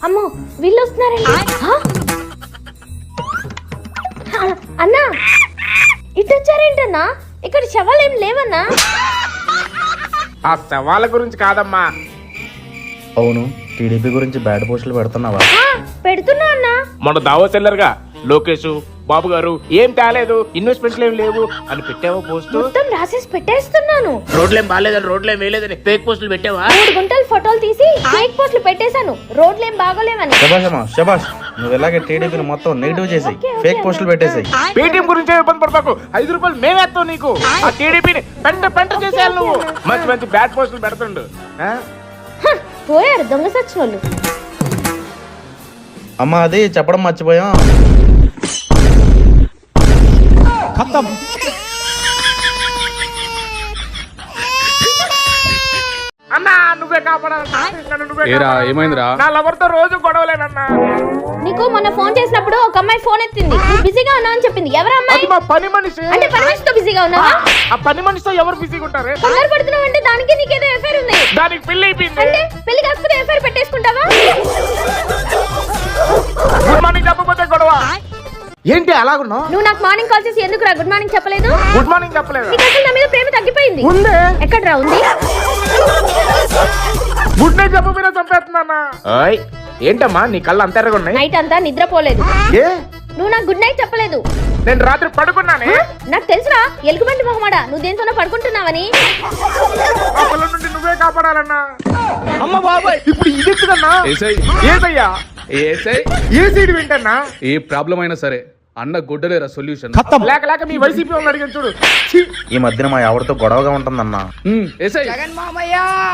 అమ్మో వీళ్ళు వస్తున్నారండి. అన్నా ఇటు వచ్చారేంటన్నా? ఇక్కడ శవాలు ఏం లేవన్నా? ఆ శవాల గురించి కాదమ్మా. అవును, టీడీపీ గురించి బ్యాడ్ పోస్టులు పెడుతున్నావా? పెడుతున్నా అన్నా. మన దావో సెల్లర్గా లోకేష్ బాబు గారు ఏం తేలేదు, ఇన్వెస్ట్మెంట్లు ఏం లేవు అని పెట్టావా పోస్ట్? మొత్తం రాసేసి పెట్టేస్తున్నాను. రోడ్లేం బాగాలేదని రోడ్లేం వేయలేదని ఫేక్ పోస్టులు పెట్టావా? 3 గుంటలు ఫోటోలు తీసి ఫేక్ పోస్టులు పెట్టేశాను, రోడ్లేం బాగోలేవని. శభాష్ అమ్మా శభాష్, నువ్వు ఇలాగే టీడీపీని మొత్తం నెగిటివ్ చేసాయి, ఫేక్ పోస్టులు పెట్టేసాయి. పేటీఎం గురించి ఇబ్బంది పడతాకు, 5 రూపాయలు మేమేస్తాం నీకు. ఆ టీడీపీని పెంట చేసేయాలి నువ్వు. మంచి మంచి బ్యాడ్ పోస్టులు పెడుతుండు. పోయారు దొంగ సచ్చినోళ్ళు. అమ్మా అది చెప్పడం మర్చిపోయాం. అన్నా నువ్వే కాపాడాలి. ఏరా ఏమైందిరా? నా లవర్తో రోజు గొడవలేనన్నా. నీకు మొన్న ఫోన్ చేసినప్పుడు ఒక అమ్మాయి ఫోన్ ఎత్తింది, నువ్వు బిజీగా ఉన్నావు అని చెప్పింది. ఎవరు అమ్మాయి? అది మా పని మనిషి. అంటే పని మనిషితో బిజీగా ఉన్నావా? ఆ పని మనిషితో ఎవరు బిజీగా ఉంటారు? కంగారు పడుతున్నావు అంటే దానికి నీకేదో ఎఫైర్ ఉంది. దానికి పెళ్లి అయిపోయింది. అంటే పెళ్లి కాకపోతే ఎఫైర్ పెట్టేసుకుంటావా? గుడ్ మార్నింగ్ చెప్పకపోతే గొడవ ఏంటి అలాగున్నావు? నువ్వు నాకు మార్నింగ్ కాల్ చేసి ఎందుకు రా గుడ్ మార్నింగ్ చెప్పలేదు? గుడ్ మార్నింగ్ చెప్పలేదు. నీకు అసలు నా మీద ప్రేమ తగ్గిపోయింది. ఉందే. ఎక్కడ్రా ఉంది? గుడ్ నైట్ చెప్పబోయినా చంపేస్తున్నా. ఏంటమ్మా నీ కళ్ళు అంత ఎర్రగా ఉన్నాయి? నైట్ అంతా నిద్రపోలేదు. ఏ నువ్వు నాకు గుడ్ నైట్ చెప్పలేదు. నేను రాత్రి పడుకున్నానే. నాకు తెలుసురా ఎలుగుబంటి మొహమాడా, నువ్వు దేనితోనో పడుకుంటున్నావని. ఆ పిల్ల నుండి నువ్వే కాపాడాలన్నా. అమ్మ బాబాయ్ ఇప్పుడు ఇది ఎత్తుకన్నా. ఏసయ్యా ఏ సైడ్ వింటన్నా? ఏ ప్రాబ్లం అయినా సరే అన్న గుడ్డలేరా సొల్యూషన్. లేక లేక మీ వైసీపీ వాళ్ళని అడిగాను చూడు. ఈ మధ్యన మా ఎవరితో గొడవగా ఉంటుందన్నా. ఏసై